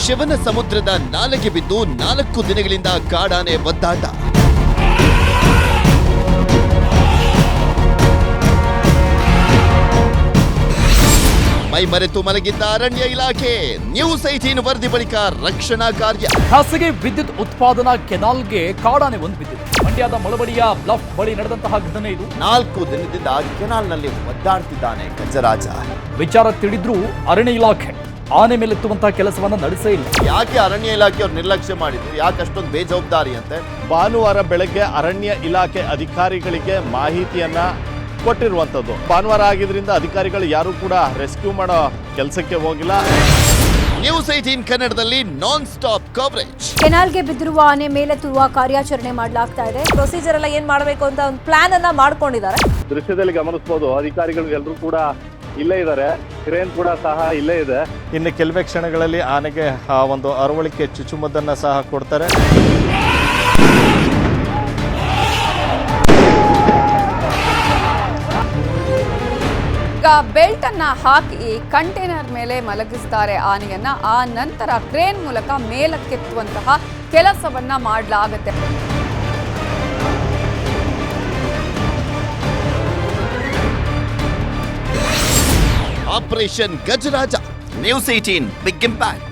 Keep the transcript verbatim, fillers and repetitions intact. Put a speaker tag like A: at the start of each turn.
A: ಶಿವನ ಸಮುದ್ರದ ನಾಲೆಗೆ ಬಿದ್ದು ನಾಲ್ಕು ದಿನಗಳಿಂದ ಕಾಡಾನೆ ಒದ್ದಾಟ. ಮೈ ಮರೆತು ಮಲಗಿದ್ದ ಅರಣ್ಯ ಇಲಾಖೆ. ನ್ಯೂಸ್ ಏಟೀನ್ ವರದಿ ಬಳಿಕ ರಕ್ಷಣಾ ಕಾರ್ಯ.
B: ಖಾಸಗಿ ವಿದ್ಯುತ್ ಉತ್ಪಾದನಾ ಕೆನಾಲ್ಗೆ ಕಾಡಾನೆ ಒಂದು ಬಿದ್ದಿದೆ. ಮಂಡ್ಯದ ಮಳವಡಿಯ ಬ್ಲಫ್ ಬಳಿ ನಡೆದಂತಹ ಘಟನೆ ಇದು.
A: ನಾಲ್ಕು ದಿನದಿಂದ ಕೆನಾಲ್ನಲ್ಲಿ ಒದ್ದಾಡ್ತಿದ್ದಾನೆ ಗಜರಾಜ.
B: ವಿಚಾರ ತಿಳಿದ್ರೂ ಅರಣ್ಯ ಇಲಾಖೆ ಆನೆ ಮೇಲೆತ್ತುವಂತಹ ಕೆಲಸವನ್ನ ನಡೆಸೇ ಇಲ್ಲ.
A: ಯಾಕೆ ಅರಣ್ಯ ಇಲಾಖೆಯವರು ನಿರ್ಲಕ್ಷ್ಯ ಮಾಡಿದ್ರು? ಯಾಕೆ ಅಷ್ಟೊಂದು ಬೇಜವಾಬ್ದಾರಿ ಅಂತೆ?
C: ಭಾನುವಾರ ಬೆಳಗ್ಗೆ ಅರಣ್ಯ ಇಲಾಖೆ ಅಧಿಕಾರಿಗಳಿಗೆ ಮಾಹಿತಿಯನ್ನ ಕೊಟ್ಟಿರುವಂಥದ್ದು. ಭಾನುವಾರ ಆಗಿದ್ರಿಂದ ಅಧಿಕಾರಿಗಳು ಯಾರು ಕೂಡ ರೆಸ್ಕ್ಯೂ ಮಾಡೋ ಕೆಲಸಕ್ಕೆ ಹೋಗಿಲ್ಲ.
A: ನ್ಯೂಸ್ ಏಟೀನ್ ಕನ್ನಡದಲ್ಲಿ ನಾನ್ ಸ್ಟಾಪ್ ಕವರೇಜ್.
D: ಕೆನಾಲ್ಗೆ ಬಿದ್ದಿರುವ ಆನೆ ಮೇಲೆತ್ತುವ ಕಾರ್ಯಾಚರಣೆ ಮಾಡಲಾಗ್ತಾ ಇದೆ. ಪ್ರೊಸೀಜರ್ ಎಲ್ಲ ಏನ್ ಮಾಡಬೇಕು ಅಂತ ಒಂದು ಪ್ಲಾನ್ ಅನ್ನ ಮಾಡ್ಕೊಂಡಿದ್ದಾರೆ.
C: ದೃಶ್ಯದಲ್ಲಿ ಗಮನಿಸಬಹುದು, ಅಧಿಕಾರಿಗಳು ಎಲ್ಲರೂ ಕೂಡ ಇಲ್ಲೇ ಇದ್ದಾರೆ. ಕ್ರೇನ್ ಕೂಡ ಸಹ ಇಲ್ಲೇ ಇದೆ. ಇನ್ನು ಕೆಲವೇ ಕ್ಷಣಗಳಲ್ಲಿ ಆನೆಗೆ ಆ ಒಂದು ಅರವಳಿಕೆ ಚುಚ್ಚುಮದ್ದನ್ನ ಸಹ ಕೊಡ್ತಾರೆ.
E: ಈಗ ಬೆಲ್ಟ್ ಅನ್ನ ಹಾಕಿ ಕಂಟೈನರ್ ಮೇಲೆ ಮಲಗಿಸ್ತಾರೆ ಆನೆಯನ್ನ. ಆ ನಂತರ ಕ್ರೇನ್ ಮೂಲಕ ಮೇಲಕ್ಕೆತ್ತುವಂತಹ ಕೆಲಸವನ್ನ ಮಾಡಲಾಗುತ್ತೆ.
A: Operation Gajaraja. News eighteen big impact.